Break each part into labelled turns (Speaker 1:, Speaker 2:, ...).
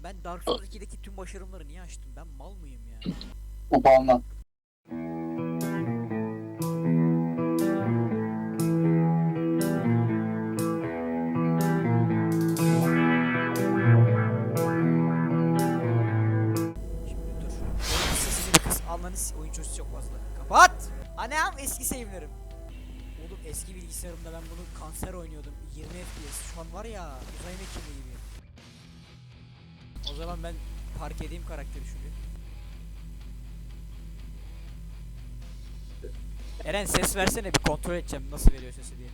Speaker 1: Ben Dark Souls 2'deki tüm başarımları niye açtım? Ben mal mıyım ya?
Speaker 2: Upandan.
Speaker 1: Şimdi dur. Oyun sesini bir kız. Ananı oyun çocuğu çok fazla. Kapat! Anam eski save'lerim. Oğlum eski bilgisayarımda ben bunu kanser oynuyordum. 20 FPS. Şu an var ya uzay mekiğinde gibi. O zaman ben park edeyim karakteri şuraya. Eren ses versene bir kontrol edeceğim nasıl veriyor sesi diye.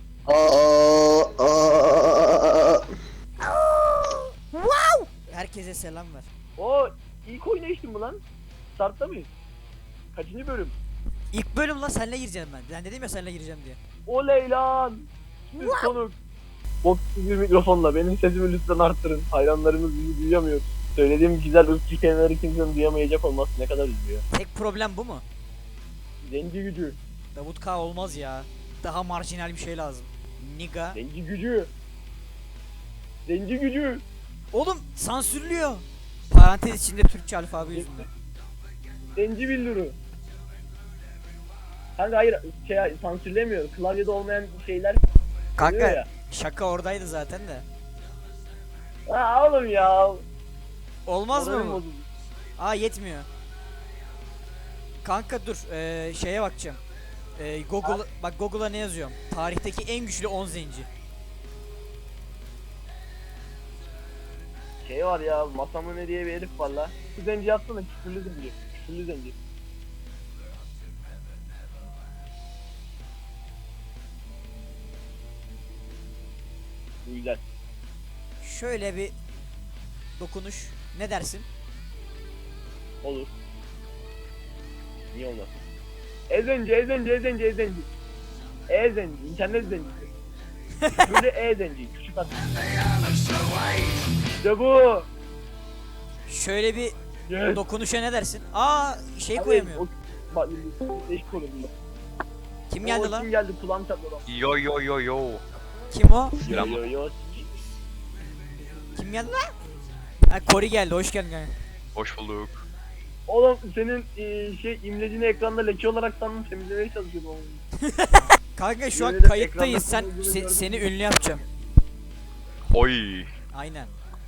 Speaker 1: Wow! Herkese selam ver.
Speaker 3: O ilk oynayıştın mı lan? Start'ta mıyız? Kaçıncı bölüm?
Speaker 1: İlk bölüm lan senle gireceğim ben. Ben dedim ya senle gireceğim diye.
Speaker 3: Oley lan! Siz konuk. Boksuz bir mikrofonla benim sesimi lütfen arttırın. Hayranlarımız bizi duyamıyor. Söylediğim güzel ırkçı kelimeleri kimsenin duyamayacak olması ne kadar üzüyor.
Speaker 1: Tek problem bu mu?
Speaker 3: Zenci gücü.
Speaker 1: Davut K olmaz ya. Daha marjinal bir şey lazım. Niga.
Speaker 3: Zenci gücü. Zenci gücü.
Speaker 1: Oğlum sansürlüyor. Parantez içinde Türkçe alfabe yüzünden.
Speaker 3: Zenci billuru. Kanka hayır sansürlemiyor. Klavyede olmayan şeyler oluyor
Speaker 1: Kanka
Speaker 3: ya.
Speaker 1: şaka oradaydı zaten de.
Speaker 3: Ha oğlum ya.
Speaker 1: Olmaz mı
Speaker 3: Moralim
Speaker 1: bu?
Speaker 3: bozuldu.
Speaker 1: Aa yetmiyor. Kanka dur şeye bakacağım. Google bak Google'a ne yazıyorum? Tarihteki en güçlü 10 zenci.
Speaker 3: Şey var ya, Masamune ne diye bir herif var la. Şu zenci yazsana, küfürlü zenci. Küfürlü zenci. Bu güzel.
Speaker 1: Şöyle bir dokunuş. Ne dersin?
Speaker 3: Olur. Niye olmaz? Ezenci, ezenci, ezenci, ezenci. E-zenci, internet zencisi. Böyle E-zenci, küçük at. İşte bu.
Speaker 1: Şöyle bir
Speaker 3: Yes.
Speaker 1: dokunuşa ne dersin? Aa şey
Speaker 3: Abi,
Speaker 1: koyamıyor.
Speaker 3: Bak, değişik olur bunda.
Speaker 1: Kim geldi
Speaker 3: Oo,
Speaker 1: lan?
Speaker 3: Kim geldi? Kulağım çatladı adam.
Speaker 4: Yo yo yo yo.
Speaker 1: Kim o?
Speaker 3: Yo yo yo.
Speaker 1: Kim geldi lan? Ha Kori geldi. Hoş geldin kanka.
Speaker 4: Hoş bulduk.
Speaker 3: Oğlum senin imlecini ekranda leke olarak sandım, temizlemeye çalışıyordum onu.
Speaker 1: Kanka şu an
Speaker 3: Yemin ederim
Speaker 1: kayıttayız. Sen
Speaker 3: ekranda olduğunu gördüm.
Speaker 1: seni ünlü yapacağım.
Speaker 4: Oy.
Speaker 1: Aynen.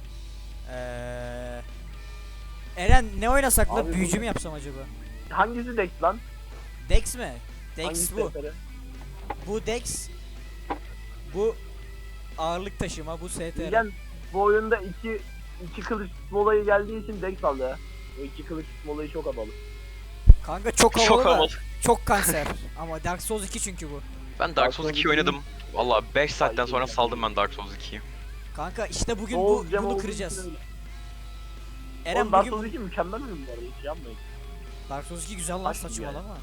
Speaker 1: Eren ne oynasak la?
Speaker 3: Abi
Speaker 1: Büyücü
Speaker 3: bu-
Speaker 1: mü yapsam acaba?
Speaker 3: Hangisi Dex lan?
Speaker 1: Dex mi? Dex
Speaker 3: Hangisi
Speaker 1: bu.
Speaker 3: STR?
Speaker 1: Bu Dex. Bu ağırlık taşıma. Bu STR.
Speaker 3: Bilgen bu oyunda iki kılıç tutma olayı geldiği için Dex aldı ya. O iki kılıç tutma olayı çok havalı.
Speaker 1: Kanka çok havalı
Speaker 4: Çok
Speaker 1: da
Speaker 4: havalı.
Speaker 1: çok kanser. Ama Dark Souls 2 çünkü bu.
Speaker 4: Ben Dark Souls 2 oynadım. Valla 5 saatten sonra saldım ben Dark Souls 2'yi.
Speaker 1: Kanka işte bugün
Speaker 3: Oğuz Cem
Speaker 1: bunu
Speaker 3: olduğu
Speaker 1: kıracağız.
Speaker 3: için öyle.
Speaker 1: Eren
Speaker 3: Oğlum Dark
Speaker 1: bugün
Speaker 3: Souls 2 mükemmel oyun bu arada, hiç yanmayın.
Speaker 1: Dark Souls 2 güzel lan
Speaker 3: Bak yani.
Speaker 1: saçmalama.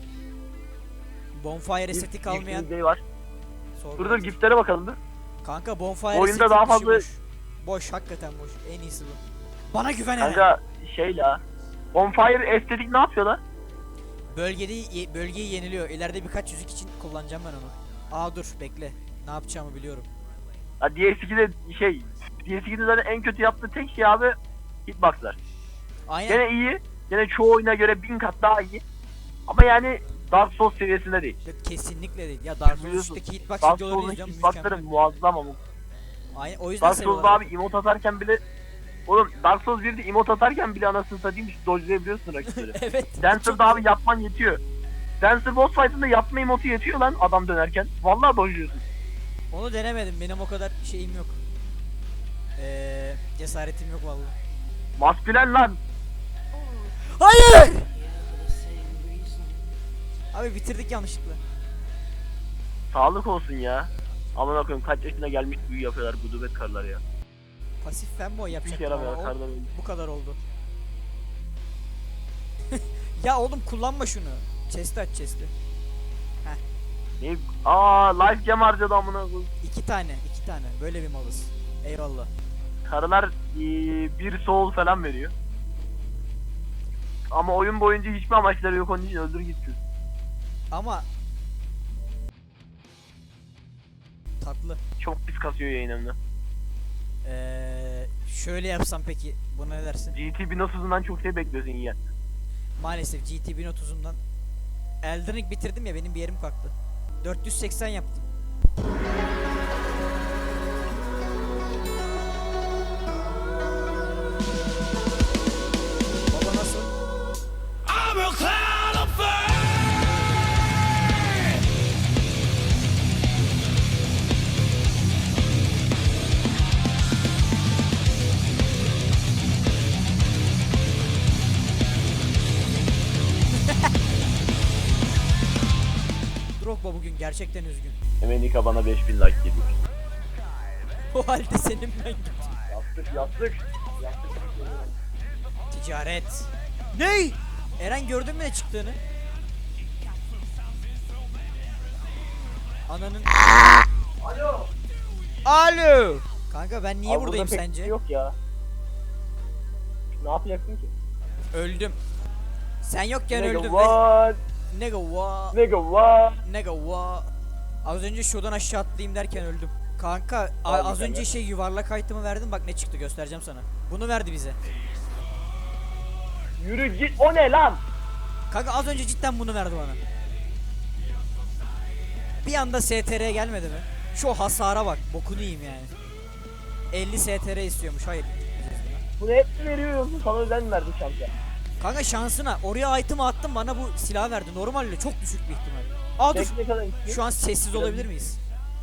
Speaker 1: Bonfire estetik almayan
Speaker 3: Day var.
Speaker 1: sorun.
Speaker 3: Dur giftlere bakalım dur.
Speaker 1: Kanka bonfire
Speaker 3: Oyunda
Speaker 1: estetik
Speaker 3: daha
Speaker 1: dışı
Speaker 3: fazla-
Speaker 1: boş. Boş hakikaten boş. En iyisi bu. Bana güven Eren.
Speaker 3: Kanka şey la. Bonfire estetik ne yapıyor lan?
Speaker 1: Bölgeyi yeniliyor. İleride birkaç yüzük için kullanacağım ben onu. Aa dur bekle. Ne yapacağımı biliyorum.
Speaker 3: Ha DS2'de zaten en kötü yaptığı tek şey abi hitboxlar.
Speaker 1: Aynen.
Speaker 3: Gene iyi. Gene çoğu oyuna göre 1000 kat daha iyi. Ama yani Dark Souls seviyesinde değil.
Speaker 1: Kesinlikle değil. Ya Dark Souls
Speaker 3: Biliyorsun,
Speaker 1: 3'teki hitbox
Speaker 3: Dark
Speaker 1: videolarını
Speaker 3: Souls'un
Speaker 1: izliyorum
Speaker 3: hitboxları
Speaker 1: mükemmel.
Speaker 3: muazzam ama.
Speaker 1: Aynen o yüzden
Speaker 3: Dark Souls'da
Speaker 1: seviyorlar.
Speaker 3: abi emote atarken bile oğlum Dark Souls 1'de emote atarken bile anasını satayım hiç dodge'layabiliyorsun rakipleri.
Speaker 1: Evet.
Speaker 3: Dancer'da abi yapman yetiyor. Dancer boss fight'ında yapma emotu yetiyor lan adam dönerken. Vallahi dodge'luyorsun.
Speaker 1: Onu denemedim. Benim o kadar şeyim yok. Cesaretim yok vallahi.
Speaker 3: Maskülen lan.
Speaker 1: Hayır! Abi bitirdik yanlışlıkla.
Speaker 3: Sağlık olsun ya. Aman koyayım kaç yaşına gelmiş büyü yapıyorlar gudubet karılar ya.
Speaker 1: Pasif fanboy
Speaker 3: Hiç
Speaker 1: yapacaktım
Speaker 3: yaramıyor
Speaker 1: ama
Speaker 3: kardan öyle.
Speaker 1: bu kadar oldu. Ya oğlum kullanma şunu. Chest'i aç chest'i.
Speaker 3: Ne? Aa life gem harcadı amına koyayım.
Speaker 1: İki tane. Böyle bir malız. Eyvallah.
Speaker 3: Karılar bir soul falan veriyor. Ama oyun boyunca hiçbir amaçları yok, onun için öldür gitsin.
Speaker 1: Ama tatlı.
Speaker 3: Çok pis kasıyor yayınımda.
Speaker 1: Şöyle yapsam peki buna ne dersin?
Speaker 3: GT 1030'undan çok şey bekliyorsun ya.
Speaker 1: Maalesef GT 1030'umdan Elden Ring bitirdim ya, benim bir yerim kalktı. 480 yaptım. Baba nasıl? Drogba bugün gerçekten üzgün.
Speaker 3: Emenika bana 5000 like geliyor.
Speaker 1: O halde senin ben gittim.
Speaker 3: Yaptık.
Speaker 1: Ticaret. Ney? Eren gördün mü ne çıktığını? Ananın...
Speaker 3: Alo.
Speaker 1: Alo. Kanka ben niye
Speaker 3: Abi
Speaker 1: buradayım
Speaker 3: burada pek
Speaker 1: sence?
Speaker 3: bir şey yok ya. Ne yapacaksın ki?
Speaker 1: Öldüm. Sen yokken
Speaker 3: Nigga
Speaker 1: öldüm.
Speaker 3: what?
Speaker 1: Nigga what?
Speaker 3: Nigga what?
Speaker 1: Nigga what? Az önce şuradan aşağı atlayayım derken öldüm. Kanka
Speaker 3: Abi
Speaker 1: az
Speaker 3: sen
Speaker 1: önce
Speaker 3: ya.
Speaker 1: yuvarlak item'ı verdim, bak ne çıktı göstereceğim sana. Bunu verdi bize.
Speaker 3: Yürü git. O ne lan?
Speaker 1: Kanka az önce cidden bunu verdi bana. Bir anda STR gelmedi mi? Şu hasara bak, bokunu yiyeyim yani. 50 STR istiyormuş, hayır.
Speaker 3: Bunu hep mi veriyor yoksa sana özel mi verdi şansa?
Speaker 1: Kanka şansına oraya item'ı attım, bana bu silah verdi. Normalde çok düşük bir ihtimal. Aa dur.
Speaker 3: Tek ne kadar istiyor?
Speaker 1: Şu an sessiz olabilir miyiz?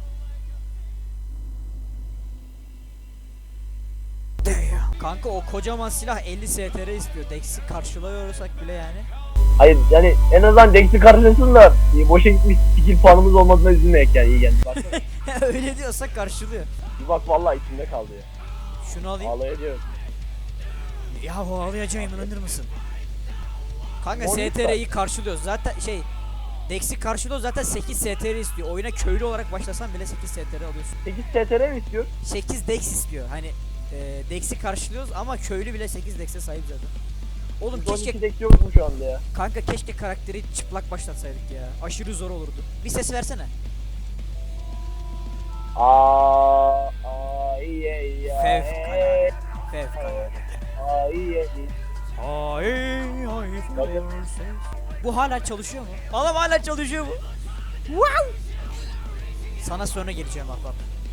Speaker 1: Kanka o kocaman silah 50 STR istiyor. Dex'i karşılıyorsak bile yani.
Speaker 3: Hayır yani en azından Dex'i karşılasın da boşa gitmiş skill puanımız olmadığına üzülmeyek yani iyi geldi. Baksana.
Speaker 1: Öyle diyorsak karşılıyor.
Speaker 3: Bir bak vallahi içimde kaldı ya.
Speaker 1: Şunu alayım.
Speaker 3: Ağlayacağım.
Speaker 1: Ya bu ağlayacağım, inanır mısın? Kanka
Speaker 3: Monita.
Speaker 1: STR'yi karşılıyoruz. Zaten şey Dex'i karşılıyoruz, zaten 8 STR istiyor. Oyuna köylü olarak başlasan bile 8 STR alıyorsun.
Speaker 3: 8 TTR mi istiyor?
Speaker 1: 8 Dex istiyor. Hani Dex'i karşılıyoruz ama köylü bile 8 Dex'e sahip zaten. Oğlum keşke
Speaker 3: 12 Dex yok mu şu anda ya?
Speaker 1: kanka keşke karakteri çıplak başlatsaydık ya. Aşırı zor olurdu. Bir ses versene.
Speaker 3: İyi ya.
Speaker 1: Fevkalade. Fevkalade.
Speaker 3: İyi.
Speaker 1: Bu hala çalışıyor mu? Oğlum hala çalışıyor mu? Wow! Sana sonra geleceğim bak.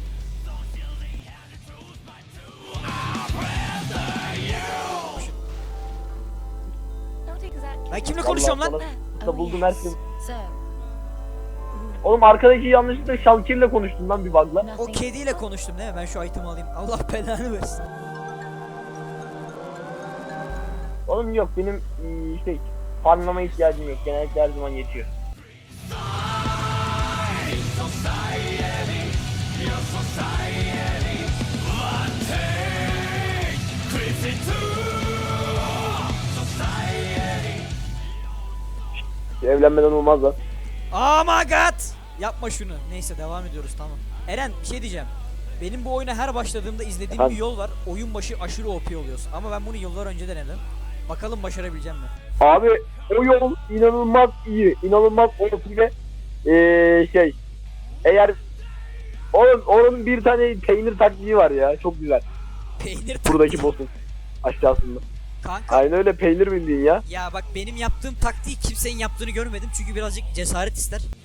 Speaker 1: Ben kimle konuşuyorum lan?
Speaker 3: Da buldum her şeyi.
Speaker 2: So,
Speaker 3: Oğlum arkadaki yanlışlıkla Şalkir'le konuştum lan bir bug'la.
Speaker 1: O
Speaker 2: nothing.
Speaker 1: kediyle konuştum değil mi? Ben şu item'i alayım. Allah belanı versin.
Speaker 3: Oğlum yok benim şey farmlama ihtiyacım yok. Genellikle her zaman yetiyor. Evlenmeden olmaz lan.
Speaker 1: Oh my god! Yapma şunu. Neyse devam ediyoruz, tamam. Eren bir şey diyeceğim. Benim bu oyuna her başladığımda izlediğim
Speaker 3: Efendim?
Speaker 1: bir yol var. Oyun başı aşırı OP oluyorsun. Ama ben bunu yıllar önce denedim. Bakalım başarabileceğim mi?
Speaker 3: Abi o yol inanılmaz iyi. İnanılmaz OP ve şey eğer onun bir tane peynir taktiği var ya çok güzel.
Speaker 1: Peynir
Speaker 3: Buradaki boss'un aşağısında.
Speaker 1: Kanka
Speaker 3: Aynen öyle peynir bildiğin ya.
Speaker 1: ya bak, benim yaptığım taktiği kimsenin yaptığını görmedim. Çünkü birazcık cesaret ister.